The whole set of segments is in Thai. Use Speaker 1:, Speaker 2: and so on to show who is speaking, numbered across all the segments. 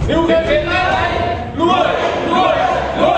Speaker 1: นิวเคลียร์ไลท์รวยรวยรวย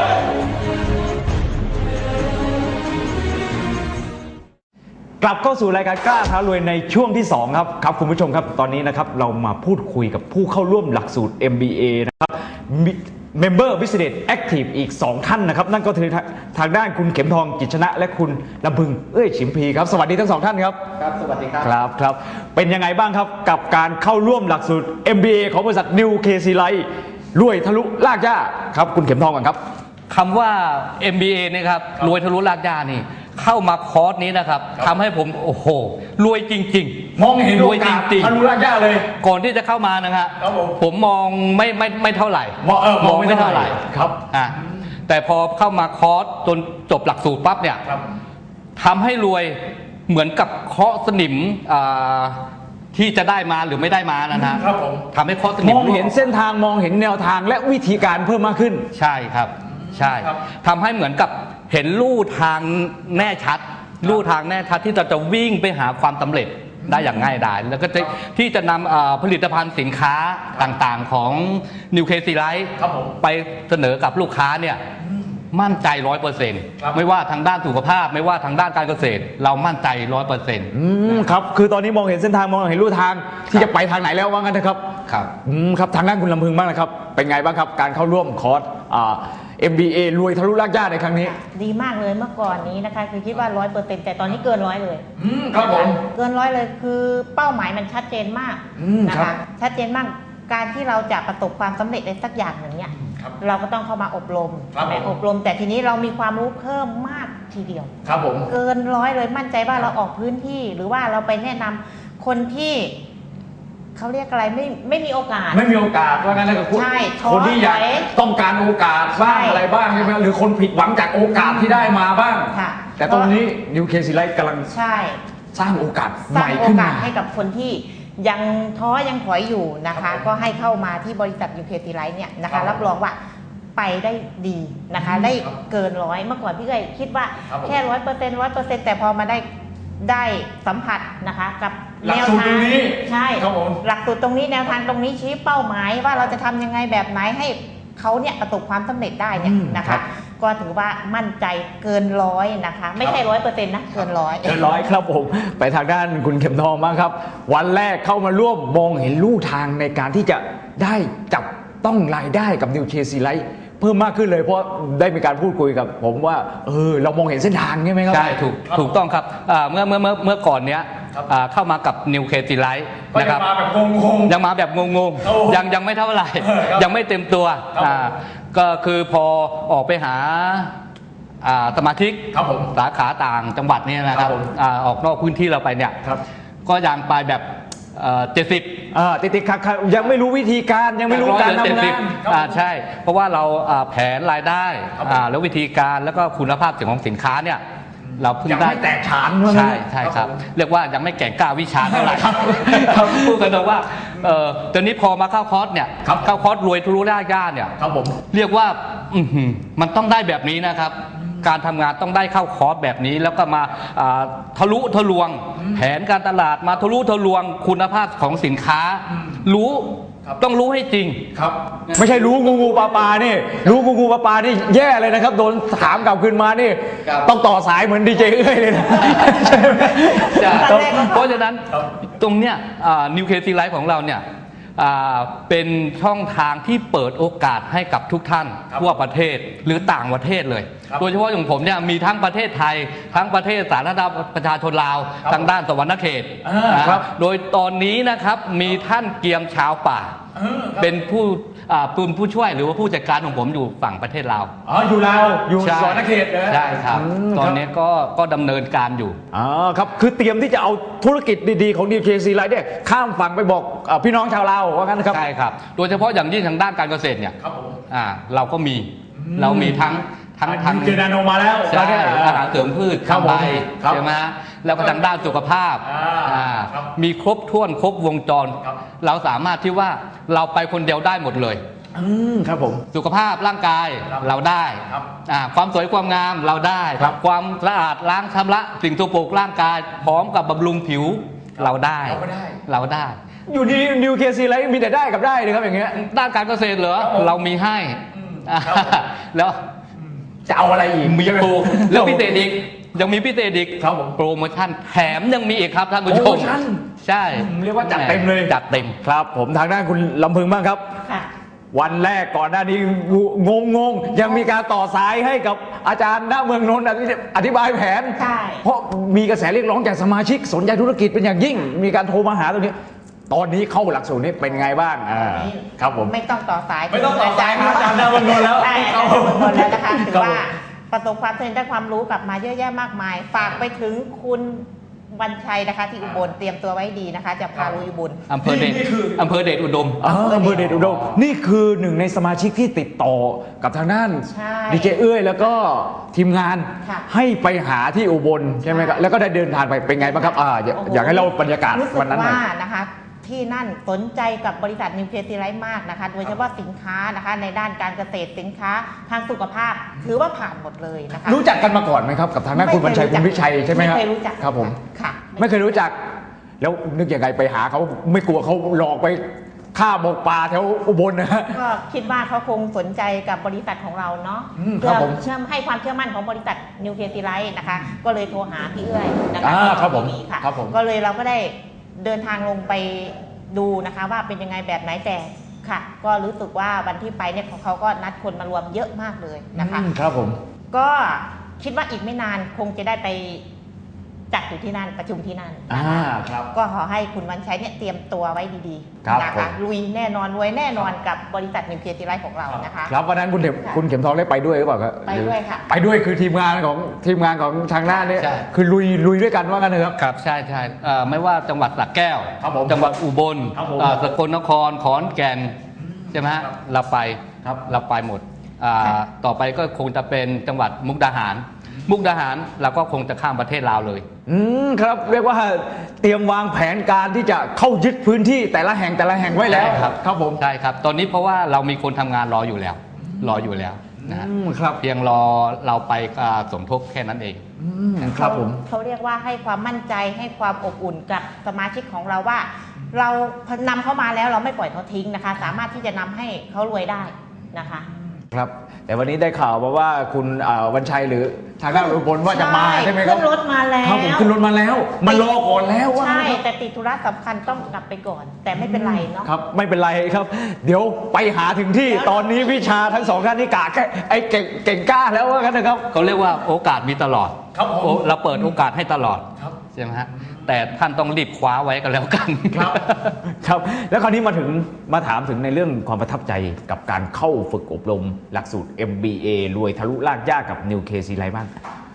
Speaker 2: กลับเข้าสู่รายการกล้าท้ารวยในช่วงที่2ครับคุณผู้ชมครับตอนนี้นะครับเรามาพูดคุยกับผู้เข้าร่วมหลักสูตร MBA นะครับ Member Business Active อีก2ท่านนะครับนั่นก็คือทางด้านคุณเข็มทองกิจชนะและคุณลำพึงฉิมพีครับสวัสดีทั้ง2ท่านครับ
Speaker 3: ครับสวัสดีครับ
Speaker 2: ครับเป็นยังไงบ้างครับกับการเข้าร่วมหลักสูตร MBA ของบริษัท New KC Life รวยทะลุลากย่าครับคุณเข็มทองก่อนครับ
Speaker 4: คำว่า MBA นี่ครับรวยทะลุลากย่านี่เข้ามาคอร์สนี้นะครับทำให้ผมโอ้โหรวยจริง
Speaker 2: ๆมองเห็นรวยจริงๆทะลุลากย่าเลย
Speaker 4: ก่อนที่จะเข้ามานะครับผมมองไม่เท่าไหร่
Speaker 2: มองไม่เท่าไหร่ครับ
Speaker 4: แต่พอเข้ามาคอร์สจนจบหลักสูตรปั๊บเนี่ยทำให้รวยเหมือนกับเคาะสนิมที่จะได้มาหรือไม่ได้มานะฮะทำให้เคาะสนิม
Speaker 2: มองเห็นเส้นทางมองเห็นแนวทางและวิธีการเพิ่มมากขึ้น
Speaker 4: ใช่ครับใช่ทำให้เหมือนกับเห็นลู่ทางแน่ชัดลู่ทางแน่ชัดที่เราจะวิ่งไปหาความสำเร็จได้อย่างง่ายดายแล้วก็ที่จะนำผลิตภัณฑ์สินค้าต่างๆของ New KC Life ไปเสนอกับลูกค้าเนี่ยมั่นใจ 100% ไม่ว่าทางด้านสุขภาพไม่ว่าทางด้านการเกษตรเรามั่นใจ 100%
Speaker 2: ครับคือตอนนี้มองเห็นเส้นทางมองเห็นลู่ทางที่จะไปทางไหนแล้วว่างั้นนะครับครับทางด้านคุณลำพึงบ้างนะครับเป็นไงบ้างครับการเข้าร่วมคอร์สMBA รวยทะลุลากย่าในครั้งนี้
Speaker 5: ดีมากเลยเมื่อก่อนนี้นะคะคือคิดว่า 100% แต่ตอนนี้เกิน100เลย
Speaker 2: ครับผม
Speaker 5: เกิน100เลยคือเป้าหมายมันชัดเจนมากนะคะชัดเจนมากการที่เราจะประสบความสำเร็จในสักอย่างหนึ่งเนี่ยเราก็ต้องเข้ามาอบรมแต่ทีนี้เรามีความรู้เพิ่มมากทีเดียว
Speaker 2: ครับผม
Speaker 5: เกิน100เลยมั่นใจว่าเราออกพื้นที่หรือว่าเราไปแนะนำคนที่เขาเรียกอะไรไม่มีโอกาส
Speaker 2: ว่างั้นเลยกับคนที่อยากต้องการโอกาสบ้างอะไรบ้างใช่ไหมหรือคนผิดหวังจากโอกาสที่ได้มาบ้างแต่ตรงนี้ New KC Life กำลังสร้างโอกาสใหม่ขึ้นมา
Speaker 5: ให้กับคนที่ยังท้อยังถอยอยู่นะคะก็ให้เข้ามาที่บริษัท New KC Life เนี่ยนะคะรับรองว่าไปได้ดีนะคะได้เกิน100เมื่อก่อนพี่เคยคิดว่าแค่ 100% แต่พอมาได้สัมผัสนะคะกับแนวทางใช่หลักสูตรตรงนี้แนวทางตรงนี้ชี้เป้าหมายว่าเราจะทำยังไงแบบไหนให้เขาเนี่ยประสบความสำเร็จได้เนี่ยนะคะก็ถือว่ามั่นใจเกิน100นะคะไม่ใช่ 100%นะเกิน100
Speaker 2: ครับผมไปทางด้านคุณเข็มทองบ้างครับวันแรกเข้ามาร่วมมองเห็นลู่ทางในการที่จะได้จับต้องรายได้กับ New KC Lifeเพิ่มมากขึ้นเลยเพราะได้มีการพูดคุยกับผมว่าเรามองเห็นเส้นทางใช่ไหมครับ
Speaker 4: ใช่ถูกต้องครับเมื่อก่อนเนี้ยเข้ามากับ New KC Life นะครับยังมาแบบงงยังไม่เท่าไหร่ยังไม่เต็มตัวก็คือพอออกไปหาสมาชิกสาขาต่างจังหวัดเนี่ยนะครับออกนอกพื้นที่เราไปเนี่ยก็ยังไปแบบ70
Speaker 2: ติดขัดยังไม่รู้วิธีการยังไม่รู้การทำงาน
Speaker 4: ใช่เพราะว่าเราแผนรายได้แล้ววิธีการแล้วก็คุณภาพของสินค้าเนี่ยเราเพิ่งได้
Speaker 2: แตกฉาน
Speaker 4: ใช่ครับเรียกว่ายังไม่แก่งกล้าวิชาเท่าไหร่พูดกันตรงว่าตอนนี้พอมาเข้าคอร์สเนี่ยเข้าคอร์สรวยทะลุลากย่าเนี่ยเรียกว่ามันต้องได้แบบนี้นะครับการทำงานต้องได้เข้าคอร์สแบบนี้แล้วก็มาทะลุทะลวงแผนการตลาดมาทะลุทะลวงคุณภาพของสินค้ารู้ต้องรู้ให้จริง
Speaker 2: ครับไม่ใช่รู้งูปลานี่รู้งูปลานี่แย่เลยนะครับโดนถามกลับคืนมานี่ต้องต่อสายเหมือนดีเจเลยนะ
Speaker 4: เพราะฉะนั้นตรงเนี้ยNew KC Life ของเราเนี่ยเป็นช่องทางที่เปิดโอกาสให้กับทุกท่านทั่วประเทศหรือต่างประเทศเลยโดยเฉพาะอย่างผมเนี่ยมีทั้งประเทศไทยทั้งประเทศสาธารณรัฐประชาชนลาวทางด้านสวรรณเขตโดยตอนนี้นะครับมีท่านเกียมชาวป่าเป็นผู้ช่วยหรือว่าผู้จัดการของผมอยู่ฝั่งประเทศลาว
Speaker 2: อยู่ลาวอยู่สวรรณเขต
Speaker 4: ใช่ครับตอนนี้ก็ดำเนินการอยู่
Speaker 2: ครับคือเตรียมที่จะเอาธุรกิจดีๆของ New KC Life เนี่ยข้ามฝั่งไปบอกพี่น้องชาวลาวว่างั้นครับ
Speaker 4: ใช่ครับโดยเฉพาะอย่างยิ่งทางด้านการเกษตรเนี่ยเราก็มีทั้ง
Speaker 2: เจนาโนมาแล้ว
Speaker 4: ใช่อาหารเสริมพืชข้าวใบใช่ไหมแล้วก็ทางด้านสุขภาพมีครบถ้วนครบวงจรเราสามารถที่ว่าเราไปคนเดียวได้หมดเลย
Speaker 2: ครับผม
Speaker 4: สุขภาพร่างกายเราได้ความสวยความงามเราได้ความสะอาดล้างชำระสิ่งสกปรกร่างกายพร้อมกับบำรุงผิวเราได้
Speaker 2: อยู่ดีนิวเคซีไลท์มีแต่ได้กับได้เลยครับอย่างเงี้ย
Speaker 4: ด้านการเกษตรเหรอเรามีให้แล้ว
Speaker 2: จะเอาอะไรอีก
Speaker 4: มีโปรแล้วพิเศษอีกยังมีพิเศษอีก
Speaker 2: ครับผม
Speaker 4: โปรโมชั่นแถมยังมีอีกครับท่านผู้ช
Speaker 2: โปร
Speaker 4: ม
Speaker 2: โมชั่น
Speaker 4: ใช่
Speaker 2: เรียกว่าจัดเต็มเลย
Speaker 4: จัดเต็ม
Speaker 2: ครับผมทางด้านคุณลำพึงบ้างครับ
Speaker 5: ค่ะ
Speaker 2: วันแรกก่อนหน้านี้งงยังมีการต่อสายให้กับอาจารย์ณเมืองนนท์อธิบายแผน
Speaker 5: ใช่
Speaker 2: เพราะมีกระแสเรียกร้องจากสมาชิกสนใจธุรกิจเป็นอย่างยิ่ง มีการโทรมาหาตรงนี้ ตอนนี้เข้าหลักสูตรนี้เป็นไงบ้างครับผม
Speaker 5: ไม่ต้องต่อสาย
Speaker 1: ไม่ต้องต่อสายครับอาจารย์ณเมืองนนท์แล้ว
Speaker 5: ใช่อาจารย์ณเมืองนนท์แล้วนะคะถือ
Speaker 2: ครับผม
Speaker 5: ว่าประสบความสำเร็จได้ความรู้กลับมาเยอะแยะมากมาย ฝากไปถึงคุณวันชัยนะคะที่อุบลเตรียมตัวไว้ดีนะคะ จะพาลุยอุบล
Speaker 4: อำเภอเดชอำเภอเดชอุดม
Speaker 2: อำเภอเดชอุดมนี่คือหนึ่งในสมาชิกที่ติดต่อกับทางด้าน
Speaker 5: ใช่
Speaker 2: ดีเจเอ้ยแล้วก็ทีมงาน
Speaker 5: ค่ะ
Speaker 2: ให้ไปหาที่อุบลใช่ไหมครับแล้วก็ได้เดินทางไปเป็นไงบ้างครับอยากให้เราบรรยากาศ
Speaker 5: รู้สึก
Speaker 2: วันนั้นหน่อย
Speaker 5: ว่านะคะที่นั่นสนใจกับบริษัทนิวเคลียร์ซีไลท์มากนะคะ โดยเฉพาะสินค้านะคะในด้านการเกษตรสินค้าทางสุขภาพถือว่าผ่านหมดเลยนะคะ
Speaker 2: รู้จักกันมาก่อนไหมครับกับทางด้านคุณบัญชัยคุณวิชัยใช่ไหมครับ
Speaker 5: ไม่เคยรู้จัก
Speaker 2: ครับผม
Speaker 5: ค่ะ
Speaker 2: ไม่เคยรู้จัก แล้วนึกยังไงไปหาเขาไม่กลัวเขาหลอกไปฆ่าหมกป่าแถวอุบลนะฮะ
Speaker 5: ก็คิดว่าเขาคงสนใจกับบริษัทของเราเนาะ
Speaker 2: ครั
Speaker 5: เพื่
Speaker 2: บ
Speaker 5: อ
Speaker 2: ผม
Speaker 5: เชื่อมให้ความเชื่อมั่นของบริษัทนิวเคลียร์ซีไลท์นะคะ ก็เลยโทรหาพี่เอื้อยนะคะ
Speaker 2: ครับผม
Speaker 5: ที่ค่ะ
Speaker 2: ครับผม
Speaker 5: ก็เลยเราก็ได้เดินทางลงไปดูนะคะ ว่าเป็นยังไงแบบไหนแต่ค่ะ ก็รู้สึกว่าวันที่ไปเนี่ยเขาก็นัดคนมารวมเยอะมากเลยนะคะ
Speaker 2: ครับผม
Speaker 5: ก็คิดว่าอีกไม่นานคงจะได้ไปจัดอยู่ที่นั่นประชุมที่นั่นนะคะ
Speaker 2: ครับ
Speaker 5: ก็ขอให้คุณวันชัยเนี่ยเตรียมตัวไว้ดี
Speaker 2: ครับ
Speaker 5: ๆนะ
Speaker 2: ผ
Speaker 5: คะ
Speaker 2: ม
Speaker 5: ลุยแน่นอนรวยแน่นอนกับบริษัทนิวเคลียร์ซีไลท์ของเรานะคะ
Speaker 2: ครับวันนั้นคุณเข็มทองได้ไปด้วยหรือเปล่าครับ
Speaker 5: ไปด้วยค่ะ
Speaker 2: ไปด้วยคือทีมงานของทางหน้าเนี่ย
Speaker 4: ใช่
Speaker 2: คือลุยด้วยกันว่ากันเถอะครับ
Speaker 4: ครับใช่ใช่ไม่ว่าจังหวัดสระแก้ว
Speaker 2: ครับผม
Speaker 4: จังหวัดอุบล
Speaker 2: ครับผม
Speaker 4: สกลนครขอนแก่นใช่ไหมฮะเราไป
Speaker 2: ครับ
Speaker 4: เราไปหมดต่อไปก็คงจะเป็นจังหวัดมุกดาหาร มุกดาหารเราก็คงจะข้ามประเทศลาวเลย
Speaker 2: ครับเรียกว่าเตรียมวางแผนการที่จะเข้ายึดพื้นที่แต่ละแห่งไว้แล้ว
Speaker 4: ใช่ครับ
Speaker 2: ครับผม
Speaker 4: ใช่ครับ ตอนนี้เพราะว่าเรามีคนทำงานรออยู่แล้วนะฮะ
Speaker 2: ครับ
Speaker 4: เพียงรอเราไปสมทบแค่นั้นเอง
Speaker 2: ครับผม
Speaker 5: เขาเรียกว่าให้ความมั่นใจให้ความอบอุ่นกับสมาชิกของเราว่า เรานำเข้ามาแล้วเราไม่ปล่อยเขาทิ้งนะคะ สามารถที่จะนำให้เขารวยได้นะคะ
Speaker 2: ครับแต่วันนี้ได้ข่าวมาว่าคุณวันชัยหรือทางด้านอุบลว่าจะมาใช่ไหมครับ
Speaker 5: ขึ้นรถมาแล้ว
Speaker 2: ครับผมขึ้นรถมาแล้วมารอก่อนแล้วว่า
Speaker 5: ใช่แต่ติดธุระสำคัญต้องกลับไปก่อน แต่ไม่เป็นไรเนาะ
Speaker 2: ครับไม่เป็นไรครับ เดี๋ยวไปหาถึงที่ตอนนี้วิชาทั้งสองท่านนี่กะแค่ไอ้เก่งกล้าแล้วว่ากันนะครับ
Speaker 4: เขาเรียกว่าโอกาสมีตลอด
Speaker 2: ครับผม
Speaker 4: เราเปิดโอกาสให้ตลอด
Speaker 2: ครับ
Speaker 4: ใช่ไหมฮะแต่ท่านต้องรีบคว้าไว้กันแล้วกัน
Speaker 2: ครับแล้วคราวนี้มาถามถึงในเรื่องความประทับใจกับการเข้าฝึกอบรมหลักสูตร MBA รวยทะลุลากยากกับ New KC ไรบ้าง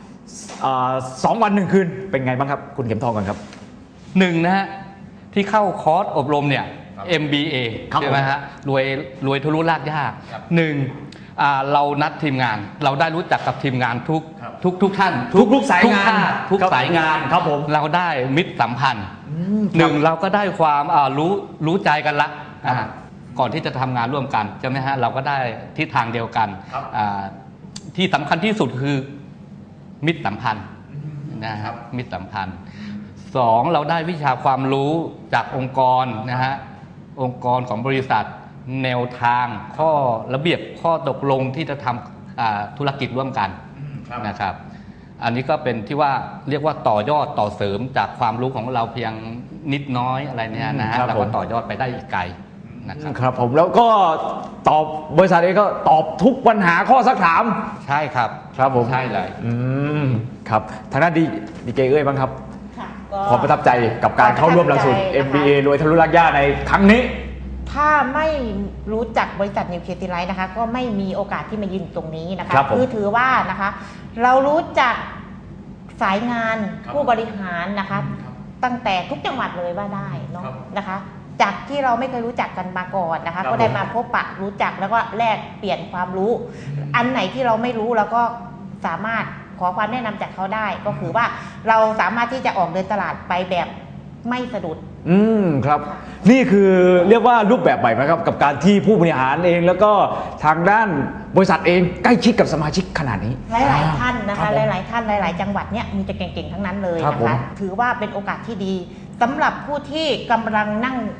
Speaker 2: 2 วัน 1 คืนเป็นไงบ้างครับ คุณเข็มทองกันครับ
Speaker 4: หนึ่งนะฮะที่เข้าคอร์สอบรมเนี่ย MBA
Speaker 2: ครับ
Speaker 4: ใช่ไหมฮะรวยทะลุลากยากหนึ่งเรานัดทีมงาน เราได้รู้จักกับทีมงานทุกท่าน
Speaker 2: ทุกสายงาน
Speaker 4: ทุก
Speaker 2: ครับ
Speaker 4: สายงาน
Speaker 2: ครับผม
Speaker 4: เราได้มิตรสัมพันธ์หนึ่งเราก็ได้ความรู้ใจกันละก่อนที่จะทำงานร่วมกันใช่ไหมฮะเราก็ได้ทิศทางเดียวกันที่สำคัญที่สุดคือมิตรสัมพันธ์นะครับมิตรสัมพันธ์สองเราได้วิชาความรู้จากองค์กรนะฮะองค์กรของบริษัทแนวทางข้อระเบียบข้อตกลงที่จะทำธุรกิจร่วมกันนะครับอันนี้ก็เป็นที่ว่าเรียกว่าต่อยอดต่อเสริมจากความรู้ของเราเพียงนิดน้อยอะไรเนี่ยนะฮะ
Speaker 2: ครับ
Speaker 4: เรา
Speaker 2: ผ
Speaker 4: ก็
Speaker 2: ม
Speaker 4: ต่อยอดไปได้อีกไกลนะครับ
Speaker 2: ครับผมแล้วก็ตอบบริษัทเองก็ตอบทุกปัญหาข้อสักถาม
Speaker 4: ใช่ครับ
Speaker 2: ครับผม
Speaker 4: ใช่เลย
Speaker 2: ครับทางด้านดีเจเอ้ยบ้างครับ
Speaker 5: ค่ะก็
Speaker 2: ความประทับใจกับการเข้าร่วมหลักสูตร MBA รวยทะลุลากยากในครั้งนี้
Speaker 5: ถ้าไม่รู้จักบริษัทนิวเคลียร์ซีไลท์นะคะ ก็ไม่มีโอกาสที่มายืนตรงนี้นะคะ
Speaker 2: ครับผม
Speaker 5: คือถือว่านะคะ เรารู้จักสายงานผู้บริหารนะคะ ตั้งแต่ทุกจังหวัดเลยว่าได้เนาะนะคะ จากที่เราไม่เคยรู้จักกันมาก่อนนะคะ ก็ได้มาพบปะรู้จักแล้วก็แลกเปลี่ยนความรู้ อันไหนที่เราไม่รู้เราก็สามารถขอความแนะนำจากเขาได้ ก็คือว่าเราสามารถที่จะออกเดินตลาดไปแบบไม่สะดุด
Speaker 2: ครับ นี่คือเรียกว่ารูปแบบใหม่ไหมครับกับการที่ผู้บริหารเองแล้วก็ทางด้านบริษัทเองใกล้ชิดกับสมาชิกขนาดนี้
Speaker 5: หลายๆท่านนะ
Speaker 2: ครั
Speaker 5: คะ
Speaker 2: บผม
Speaker 5: หลายๆท่านหลาย ๆ จังหวัดเนี่ยมีแต่เก่งๆทั้งนั้นเลย
Speaker 2: ครับ
Speaker 5: นะ
Speaker 2: ผม
Speaker 5: คะถือว่าเป็นโอกาสที่ดีสำหรับผู้ที่กำลังนั่ง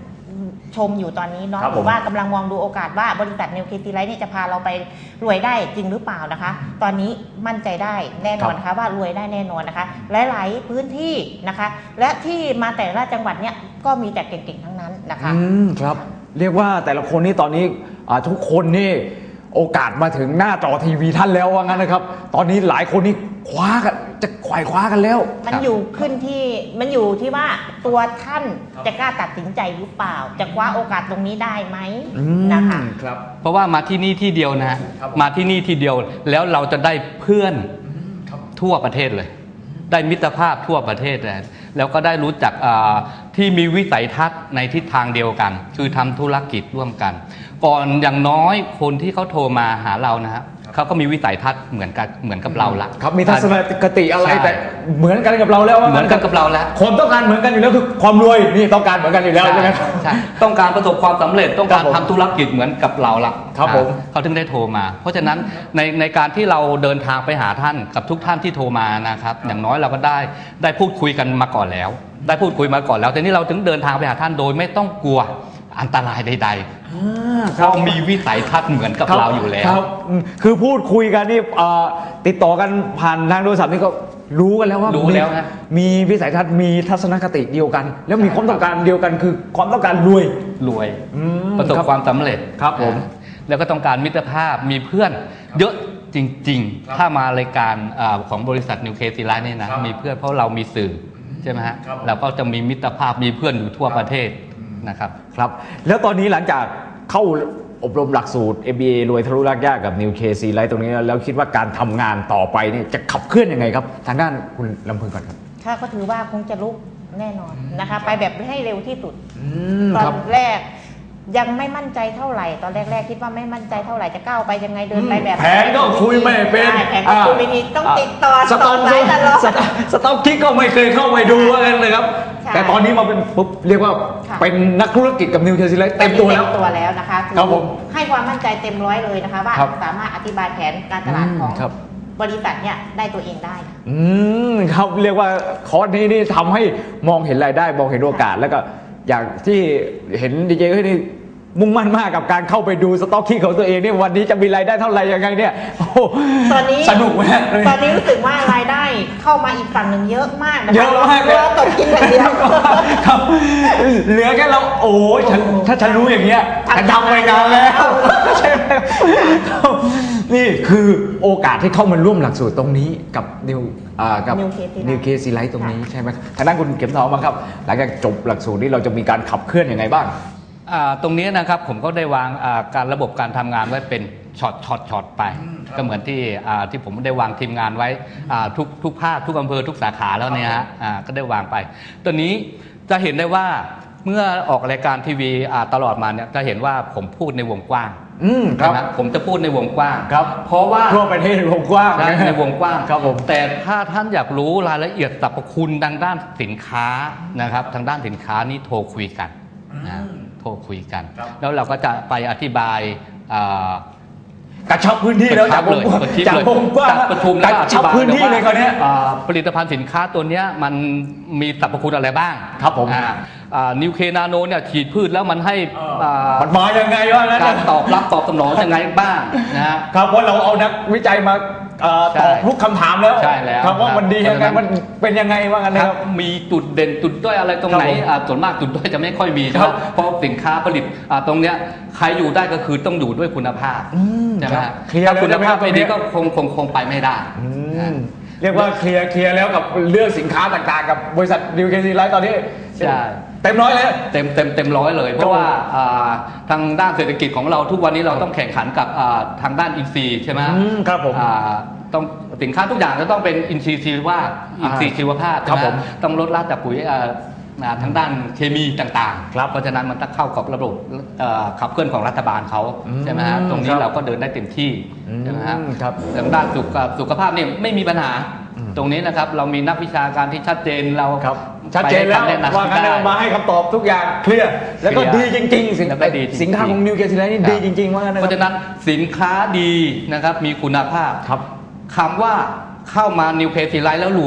Speaker 5: ชมอยู่ตอนนี้เนาะ
Speaker 2: ครับ
Speaker 5: ห
Speaker 2: ผม
Speaker 5: รือว่ากำลังมองดูโอกาสว่าบริษัทนิวเคลียร์ไลท์นี่จะพาเราไปรวยได้จริงหรือเปล่านะคะ ตอนนี้มั่นใจได้แน่นอนนะคะว่ารวยได้แน่นอนนะคะ หลายๆพื้นที่นะคะ และที่มาแต่ละจังหวัดเนี่ยก็มีแต่เก่งๆทั้งนั้นนะคะ
Speaker 2: ครับเรียกว่าแต่ละคนนี่ตอนนี้ทุกคนนี่โอกาสมาถึงหน้าจอทีวีท่านแล้วว่างั้นนะครับ ตอนนี้หลายคนนี่คว้ากันจะไขว่คว้ากันแล้ว
Speaker 5: มันอยู่ที่ว่าตัวท่านจะกล้าตัดสินใจหรือเปล่า จะคว้าโอกาสตรงนี้ได้ไหมนะคะ
Speaker 2: ครับ
Speaker 4: เพราะว่ามาที่นี่ที่เดียวนะฮะมาที่นี่ที่เดียวแล้วเราจะได้เพื่อนทั่วประเทศเลย ได้มิตรภาพทั่วประเทศเลยแล้วก็ได้รู้จักที่มีวิสัยทัศน์ในทิศทางเดียวกัน คือทำธุรกิจร่วมกัน ก่อนอย่างน้อยคนที่เขาโทรมาหาเรานะฮะเขาก็มีวิสัยทัศน์เหมือนกับเราละ
Speaker 2: ครับมีทัศนคติอะไร
Speaker 4: ใช่
Speaker 2: แต่เหมือนกันกับเราแล้วว่า
Speaker 4: เหมือนกันกับเราแล้ว
Speaker 2: คนต้องการเหมือนกันอยู่แล้วคือความรวยนี่ต้องการเหมือนกันอยู่แล้วใช่ไหมครับ
Speaker 4: ใช่ต้องการประสบความสำเร็จต้องการ
Speaker 2: ครับผม
Speaker 4: ทำธุรกิจเหมือนกับเราละ
Speaker 2: ครับผม
Speaker 4: เขาถึงได้โทรมา เพราะฉะนั้นในการที่เราเดินทางไปหาท่านกับทุกท่านที่โทรมานะครับอย่างน้อยเราก็ได้พูดคุยกันมาก่อนแล้ว ได้พูดคุยมาก่อนแล้วแต่นี่เราถึงเดินทางไปหาท่านโดยไม่ต้องกลัวอันตรายใดๆเรามีวิสัยทัศน์เหมือนกับเราอยู่แล้ว
Speaker 2: ครับคือพูดคุยกันนี่ติดต่อกันผ่านทางโทรศัพท์นี่ก็รู้กันแล้วว่า
Speaker 4: รู้แล้วนะ
Speaker 2: มีวิสัยทัศน์มีทัศนคติเดียวกัน แล้วมีความต้องการเดียวกันคือความต้องการรวย
Speaker 4: รวย
Speaker 2: ม
Speaker 4: ประสบ
Speaker 2: ครับ
Speaker 4: ความสำเร็จ
Speaker 2: ครับผม
Speaker 4: แล้วก็ต้องการมิตรภาพมีเพื่อนเยอะจริงๆ ถ้ามารายการของบริษัทนิวเคลียร์ไลท์เนี่ยนะมีเพื่อนเพราะเรามีสื่อใช่ไหมฮะเราก็จะมีมิตรภาพมีเพื่อนอยู่ทั่วประเทศนะครับ
Speaker 2: ครับแล้วตอนนี้หลังจากเข้าอบรมหลักสูตร MBA รวยทะลุรากยากกับ New KC Life ตรงนี้แล้วคิดว่าการทำงานต่อไปเนี่ยจะขับเคลื่อนยังไงครับทางด้านคุณลำพึงก่อนครับ
Speaker 5: ถ้าก็ถือว่าคงจะลุกแน่นอนนะคะ ไปแบบให้เร็วที่สุด ต
Speaker 2: ค
Speaker 5: อ
Speaker 2: รับ
Speaker 5: นแรกยังไม่มั่นใจเท่าไหร่ ตอนแรกๆคิดว่าไม่มั่นใจเท่าไหร่จะก้าวไปยังไงเดินไปแบบ
Speaker 2: แผนก็คุยไม่เป็น
Speaker 5: ใช่แผนก็คุยไม่ดีต้องติดต่อ
Speaker 2: สต็อก
Speaker 5: สายตลอด
Speaker 2: สต็อกคิกก็ไม่เคยเข้าไปดูว่ากันเลยครับ
Speaker 5: ใช่
Speaker 2: แต่ตอนนี้มาเป็นปุ๊บเรียกว่า
Speaker 5: ค่ะ
Speaker 2: เป็นนักธุรกิจกับ New KC Life เต็มตัวแล้ว
Speaker 5: เต็มตัวแล้วนะคะ
Speaker 2: ครับผม
Speaker 5: ให้ความมั่นใจเต็มร้อยเลยนะคะ ว่า
Speaker 2: ครับ
Speaker 5: สามารถอธิบายแผนการตลาดของ
Speaker 2: ครับ
Speaker 5: บริษัทเนี่ยได้ตัวเองได้ค่ะ
Speaker 2: ครับเรียกว่าคอร์สนี้นี่ทำให้มองเห็นรายได้มองเห็นโอกาส แล้วก็อย่างที่เห็นดีเจนี่มุ่งมั่นมากกับการเข้าไปดูสต็อกคิกของตัวเองเนี่ยวันนี้จะมีรายได้เท่าไหร่ยังไงเนี่ยโอ้โห
Speaker 5: ตอนนี้
Speaker 2: สนุกมากเลย
Speaker 5: ตอนนี้รู้สึกว่ารายได้เข้ามาอีกฝั่งหนึ่งเยอะมากนะคะ
Speaker 2: เยอะมากเลย
Speaker 5: เราตกกินอย่างเดียว
Speaker 2: ครับเหลือแค่เราโอ้ยถ้าฉันรู้อย่างเงี้ยฉันทำไปนานแล้วใช่ไหมครับนี่คือโอกาสที่เข้ามาร่วมหลักสูตรตรงนี้กับกับ
Speaker 5: New KC Life
Speaker 2: New KC Life ตรงนี้ใช่ไหมทางด้านคุณเข็มทองบ้างครับหลังจากจบหลักสูตรนี้เราจะมีการขับเคลื่อนยังไงบ้าง
Speaker 4: ตรงนี้นะครับผมก็ได้วางการระบบการทำงานไว้เป็นช็อตไปก็เหมือนที่ผมได้วางทีมงานไว้ทุกภาคทุกอำเภอทุกสาขาแล้วเนี่ยฮะก็ได้วางไปตัวนี้จะเห็นได้ว่าเมื่อออกรายการทีวีตลอดมาเนี่ยจะเห็นว่าผมพูดในวงกว้าง
Speaker 2: ครับ
Speaker 4: นะผมจะพูดในวงกว้าง
Speaker 2: ครับ
Speaker 4: เพราะว่า
Speaker 2: ทั่วประเทศวงกว้าง
Speaker 4: ใช่ในวงกว้าง
Speaker 2: ครับผม
Speaker 4: แต่ถ้าท่านอยากรู้รายละเอียดสรรพคุณทางด้านสินค้านะครับทางด้านสินค้านี่โทรคุยกันนะโทรคุยกัน แล้วเราก็จะไปอธิบาย
Speaker 2: กระชับพื้นที่แล้วจากวงกว้าง
Speaker 4: กระชับ
Speaker 2: จาก
Speaker 4: เลยว
Speaker 2: งกว้าง
Speaker 4: จัดประชุม
Speaker 2: ก
Speaker 4: แล้ว
Speaker 2: ระ
Speaker 4: ก็อ
Speaker 2: ชั
Speaker 4: ธิ
Speaker 2: บบ
Speaker 4: าย
Speaker 2: พื้นที่เลยคราวเนี้ย
Speaker 4: ผลิตภัณฑ์สินค้าตัวเนี้ยมันมีสรรพคุณอะไรบ้าง
Speaker 2: ครับผม
Speaker 4: นิวเคนาโนเนี่ยฉีดพืชแล้วมันให้า
Speaker 2: มันมายังไงวะนั่น
Speaker 4: การ
Speaker 2: น่ะ
Speaker 4: ตอบรับตอบสนองยังไงบ้างนะฮะ
Speaker 2: ครับว่าเราเอานักวิจัยมา
Speaker 4: ใช่
Speaker 2: ตอบทุกคำถามแล้ว
Speaker 4: ใช่แล้ว
Speaker 2: ครับว่ามันดียังไง
Speaker 4: เพราะฉะนั้น
Speaker 2: มันเป็นยังไงว่างั้น
Speaker 4: ค
Speaker 2: นะ
Speaker 4: รั
Speaker 2: ครับ บ
Speaker 4: มีจุดเด่นจุดด้อยอะไรตรงไหน
Speaker 2: ครับผม
Speaker 4: ส่วนมากจุดด้อยจะไม่ค่อยมี
Speaker 2: ครั
Speaker 4: ใช่
Speaker 2: บ
Speaker 4: ไหมเพราะสินค้าผลิตตรงเนี้ยใครอยู่ได้ก็คือต้องอยู่ด้วยคุณภาพใช่ไหม
Speaker 2: ครั
Speaker 4: ฮะ
Speaker 2: บเคลียร์
Speaker 4: ถ้า
Speaker 2: เลย
Speaker 4: คุณภาพ
Speaker 2: ใช่ไหมครับ
Speaker 4: ไม่ดี
Speaker 2: ตรงเนี้
Speaker 4: ก็
Speaker 2: ย
Speaker 4: คงไปไม่ได้
Speaker 2: เรียกว่าเคลียร์แล้วกับเรื่องสินค้าต่างๆกับบริษัทดิวเคซีไลท์ตอนนี้
Speaker 4: ใช่
Speaker 2: เต็มร้อยเลย
Speaker 4: เต็มร้อยเลย เพราะว่าทางด้านเศรษฐกิจของเราทุกวันนี้เราต้องแข่งขันกับทางด้านอินทรีย์ใช่ไหม
Speaker 2: ครับผม
Speaker 4: ต้องสินค้าทุกอย่างจะต้องเป็นอินทรีย์ชีวภาพอินทรีย์ชีวภาพ
Speaker 2: ครับ
Speaker 4: ใช่ไห
Speaker 2: ผม
Speaker 4: ต้องลดละจากปุ๋ยทางด้านเคมีต่าง
Speaker 2: ครับ
Speaker 4: ๆเพราะฉะนั้นมันต้องเข้ากับระบบขับเคลื่อนของรัฐบาลเขาใช่ไหมฮะตรง
Speaker 2: ค
Speaker 4: นี้
Speaker 2: รับ
Speaker 4: เราก็เดินได้เต็มที่ใช่ไหมฮะ
Speaker 2: ครับ
Speaker 4: ทางด้านสุขภาพเนี่ยไม่มีปัญหา ตรงนี้นะครับเรามีนักวิชาการที่ชัดเจนเรา
Speaker 2: ครับชัดเจนแล้ว
Speaker 4: ไปให้คำะำ
Speaker 2: ว่างั้น
Speaker 4: ได้
Speaker 2: มาให้คำตอบทุกอย่างเคลียร์แล้วก็
Speaker 4: เคลี
Speaker 2: ดี
Speaker 4: ยร์
Speaker 2: จริงๆ
Speaker 4: แล้วก็ดีจริงๆ
Speaker 2: สินค้าของนิวเคซีไลท์นี่
Speaker 4: ครับ
Speaker 2: ดีจริงๆว่างั้นนะ
Speaker 4: เพ
Speaker 2: ค
Speaker 4: ราะ
Speaker 2: รับ
Speaker 4: ฉะนั้นสินค้าดีนะครับมีคุณภาพ
Speaker 2: ครับ
Speaker 4: คำว่าเข้ามานิวเคลียร์ไลท์แล้วรวย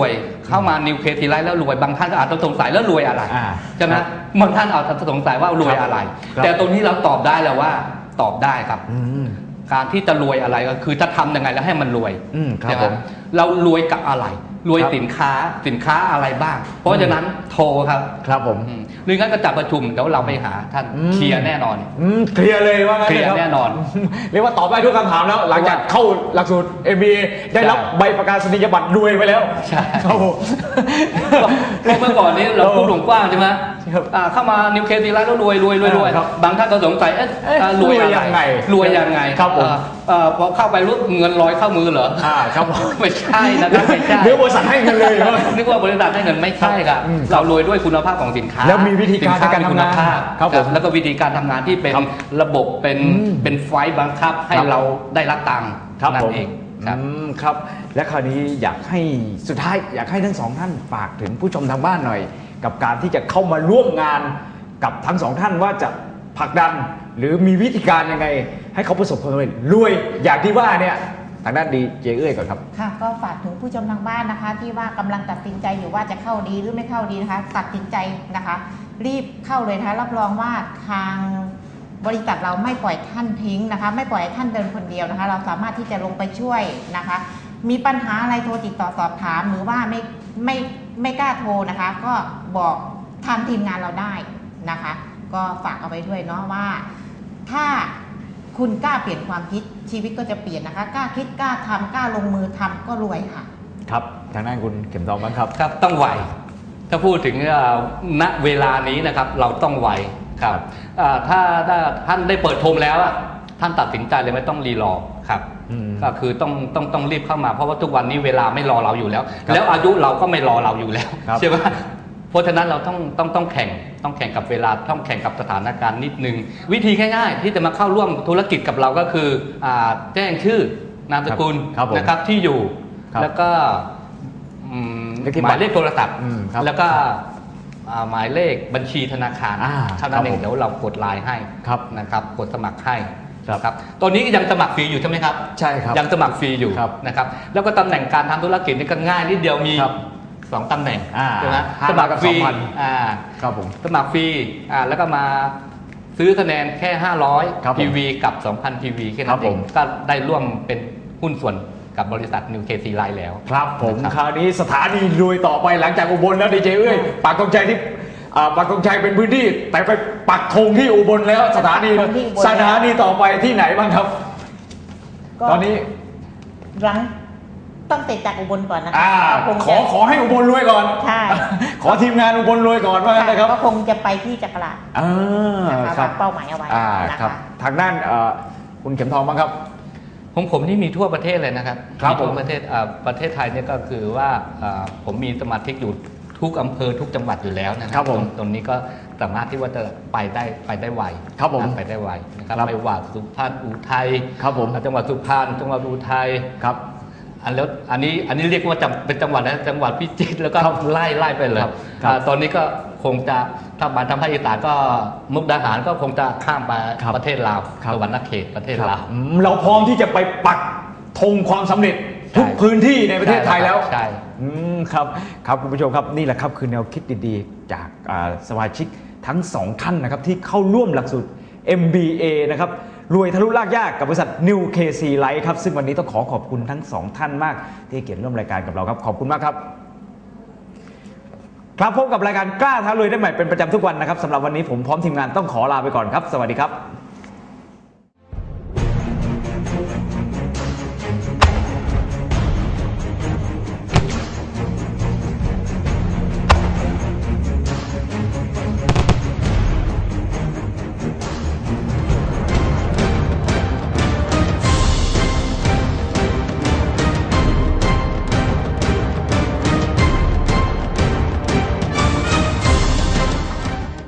Speaker 4: เข้ามานิวเคทีไลท์แล้วรวยบางท่านก็อาจจะสงสัยแล้วรวยอะไร ใช่ไหม
Speaker 2: ครับ
Speaker 4: บางท่านอาจจะสงสัยว่ารวยอะไร
Speaker 2: ครับ
Speaker 4: แต่ตรงนี้เราตอบได้แล้วว่าตอบได้ครับ
Speaker 2: อืม
Speaker 4: การที่จะรวยอะไรก็คือจะทำยังไงแล้วให้มันรวย
Speaker 2: ครับ
Speaker 4: ใช่ไห
Speaker 2: ผม
Speaker 4: เรารวยกับอะไร รวย
Speaker 2: ครับ
Speaker 4: สินค้าอะไรบ้าง เพราะฉะนั้นโทรครับ
Speaker 2: ครับผม
Speaker 4: หรืองั้นก็จัดประชุมเดี๋ยวเราไปหาท่าน
Speaker 2: อืม
Speaker 4: เคลียร์แน่นอน
Speaker 2: เคลียร์เลยว่างั้น
Speaker 4: เคลียร์
Speaker 2: ลรับ
Speaker 4: แน่นอน
Speaker 2: เรียกว่าตอบได้ทุกคำถามแล้ว หลังจากเข้าหลักสูตร MBA ได้รับใบประกาศนียบัตรรวยไปแล้ว
Speaker 4: ใช่
Speaker 2: ครับผม
Speaker 4: เพราะเมื่อก่อนนี้เราพูดกว้างใช่ไหม
Speaker 2: ครับ
Speaker 4: เข้ามานิวเคลียร์แล้วรวย
Speaker 2: ครับ
Speaker 4: บางท่านก็สงสัยรวยอะไร
Speaker 2: รวยยังไง
Speaker 4: รวยยังไง
Speaker 2: ครับผม
Speaker 4: พอเข้าไปรู้เงินลอยเข้ามือเหรอ
Speaker 2: ครับผม
Speaker 4: ไม่ใช่นะครับไม่ใช่
Speaker 2: เดี๋ยวบริษัทให้เงินเลยว่า
Speaker 4: นึกว่าบริษัทให้เงินไม่ใช่ครับ เรารวยด้วยคุณภาพของสินค้า
Speaker 2: แล้วมีวิธีการในการทำงาน
Speaker 4: สิค้มีคุณภาพ
Speaker 2: ครับผม
Speaker 4: แล้วก็วิธีการทำงานที่เป็น
Speaker 2: ครับ
Speaker 4: ระบบเป็นไฟล์บังคับให้
Speaker 2: ครับ
Speaker 4: เราได้รับตังค์
Speaker 2: ครับ
Speaker 4: นั่
Speaker 2: ผ
Speaker 4: น
Speaker 2: ม
Speaker 4: เองครับ
Speaker 2: ครับ และคราวนี้อยากให้สุดท้ายอยากให้ทั้งสองท่านฝากถึงผู้ชมทางบ้านหน่อย กับการที่จะเข้ามาร่วมงานกับทั้งสองท่านว่าจะผลักดัน หรือมีวิธีการยังไง ให้เขาประสบความสำเร็จรวยอย่างที่ว่าเนี่ยทางด้านดีเจเอ้ยก่อนครับ
Speaker 5: ค่ะก็ฝากถึงผู้ชมทางบ้านนะคะ ที่ว่ากำลังตัดสินใจอยู่ว่าจะเข้าดีหรือไม่เข้าดีนะคะ ตัดสินใจนะคะ รีบเข้าเลยนะคะรับรองว่าทางบริษัทเราไม่ปล่อยท่านทิ้งนะคะ ไม่ปล่อยให้ท่านเดินคนเดียวนะคะ เราสามารถที่จะลงไปช่วยนะคะ มีปัญหาอะไรโทรติดต่อสอบถามหรือว่าไม่กล้าโทรนะคะ ก็บอกทางทีมงานเราได้นะคะ ก็ฝากเอาไว้ด้วยเนาะว่า ถ้าคุณกล้าเปลี่ยนความคิดชีวิตก็จะเปลี่ยนนะคะ กล้าคิดกล้าทำกล้าลงมือทำก็รวยค่ะ
Speaker 2: ครับ ทางด้านคุณเข็มทองบ้างครับ
Speaker 4: ครับต้องไวถ้าพูดถึงณเวลานี้นะครับเราต้องไวครับถ้าท่านได้เปิดโทมแล้วท่านตัดสินใจเลยไม่ต้องรีรอครับ ก็คือต้องรีบเข้ามาเพราะว่าทุกวันนี้เวลาไม่รอเราอยู่แล้ว
Speaker 2: ครับ
Speaker 4: แล้วอายุเราก็ไม่รอเราอยู่แล้ว
Speaker 2: ครับ
Speaker 4: ใช่ไหมเพราะฉะนั้นเราต้องแข่งกับเวลาต้องแข่งกับสถานการณ์นิดนึงวิธีง่ายๆที่จะมาเข้าร่วมธุรกิจกับเราก็คือแจ้งชื่อนามสกุล
Speaker 2: ครับผม
Speaker 4: นะครับที่อยู่
Speaker 2: ครับ
Speaker 4: แล้วก็
Speaker 2: เลขที่
Speaker 4: หมายเลขโทรศัพท์
Speaker 2: ครับ
Speaker 4: แล้วก็หมายเลขบัญชีธนาคาร เท่านั้นเอ
Speaker 2: ครับผม
Speaker 4: งเดี๋ยวเรากดไลน์ให้
Speaker 2: ครับ
Speaker 4: นะครับกดสมัครให้
Speaker 2: ครับ
Speaker 4: ครับตัวนี้ยังสมัครฟรีอยู่ใช่ไหมครับ
Speaker 2: ใช่ครับ
Speaker 4: ยังสมัครฟรีอยู่
Speaker 2: ครับ
Speaker 4: นะครับแล้วก็ตำแหน่งการทำธุรกิจนี่ก็ง่ายนิดเดียวมี
Speaker 2: ครับ
Speaker 4: 2 ตำแหน่ง
Speaker 2: 5
Speaker 4: ใช่ไหม
Speaker 2: 5
Speaker 4: สมัครฟรี
Speaker 2: กับ 2,000 ครับผม
Speaker 4: สมัครฟรีแล้วก็มาซื้อคะแนนแค่
Speaker 2: ครับ
Speaker 4: 500
Speaker 2: ผม
Speaker 4: PV กับ 2,000 PV แค่
Speaker 2: ครั
Speaker 4: นั้
Speaker 2: บ
Speaker 4: นเอ
Speaker 2: ผ
Speaker 4: ง
Speaker 2: ม
Speaker 4: ก็ได้ร่วมเป็นหุ้นส่วนกับบริษัท New KC Line แล้ว
Speaker 2: ครับผม
Speaker 4: นะครับ
Speaker 2: คราวนี้สถานีรวยต่อไปหลังจากอุบลแล้วดีเจเอ้ยปักธงชัยที่ปักธงชัยเป็นพื้นที่ แต่ไปปักธงที่อุบลแล้วสถานี
Speaker 5: ปักธงที่อุบล
Speaker 2: สถานีต่อไปที่ไหนบ้างครับ
Speaker 5: ก็
Speaker 2: ตอนนี้
Speaker 5: หลังต้องเสร็จจากอุบลก่อนนะคะก็คง
Speaker 2: ขอ
Speaker 5: จะ
Speaker 2: ขอให้อุบลรวยก่อน
Speaker 5: ใช่
Speaker 2: ขอทีมงานอุบลรวยก่อนว่างั้นนะครับ
Speaker 5: ก็คงจะไปที่จักราช นะคะ
Speaker 2: ครับ
Speaker 5: วางเป้าหมายเอาไว้นะ
Speaker 2: ครั
Speaker 5: คะ
Speaker 2: บทางด้านคุณเข็มทองบ้างครับ
Speaker 4: ผมนี่มีทั่วประเทศเลยนะครับ
Speaker 2: ครับ
Speaker 4: มีทั่ว
Speaker 2: ผม
Speaker 4: ประเทศไทยเนี่ยก็คือว่าผมมีสมาชิกอยู่ทุกอำเภอทุกจังหวัดอยู่แล้วนะค
Speaker 2: ครั
Speaker 4: รับบ
Speaker 2: ผม
Speaker 4: ตรงนี้ก็สามารถที่ว่าจะไปได้ไว
Speaker 2: ครับผม
Speaker 4: ไปได้ไวนะครับ
Speaker 2: ครับ
Speaker 4: ไม่ว่าสุพรรณอุทัย
Speaker 2: ครับผม
Speaker 4: จังหวัดสุพรรณจังหวัดอุทัย
Speaker 2: ครับ
Speaker 4: อันนี้เรียกว่าเป็นจังหวัดนะจังหวัดพิจิตรแล้วก็
Speaker 2: ครับ
Speaker 4: ไล่ไปเลย
Speaker 2: ครับ
Speaker 4: ตอนนี้ก็คงจะถ้ามาทางภาคอีสานก็มุกดาหารก็คงจะข้ามไป
Speaker 2: ครับ
Speaker 4: ประเทศลาว
Speaker 2: ครับ
Speaker 4: สวรรณเขตประเทศ
Speaker 2: ครับ
Speaker 4: ลาว
Speaker 2: เราพร้อมที่จะไปปักธงความสำเร็จทุก
Speaker 4: ใช่
Speaker 2: พื้นที่ในประเทศไทยแล้ว
Speaker 4: ใช่
Speaker 2: ครับครับคุณผู้ชมครับนี่แหละครับคือแนวคิดดีๆ จากสมาชิกทั้งสองท่านนะครับที่เข้าร่วมหลักสูตร MBA นะครับรวยทะลุลากยากกับบริษัท New KC Life ครับซึ่งวันนี้ต้องขอบคุณทั้งสองท่านมากที่ให้เกียรติร่วมรายการกับเราครับขอบคุณมากครับ ครับพบกับรายการกล้าท้ารวยได้ใหม่เป็นประจำทุกวันนะครับสำหรับวันนี้ผมพร้อมทีมงานต้องขอลาไปก่อนครับ สวัสดีครับ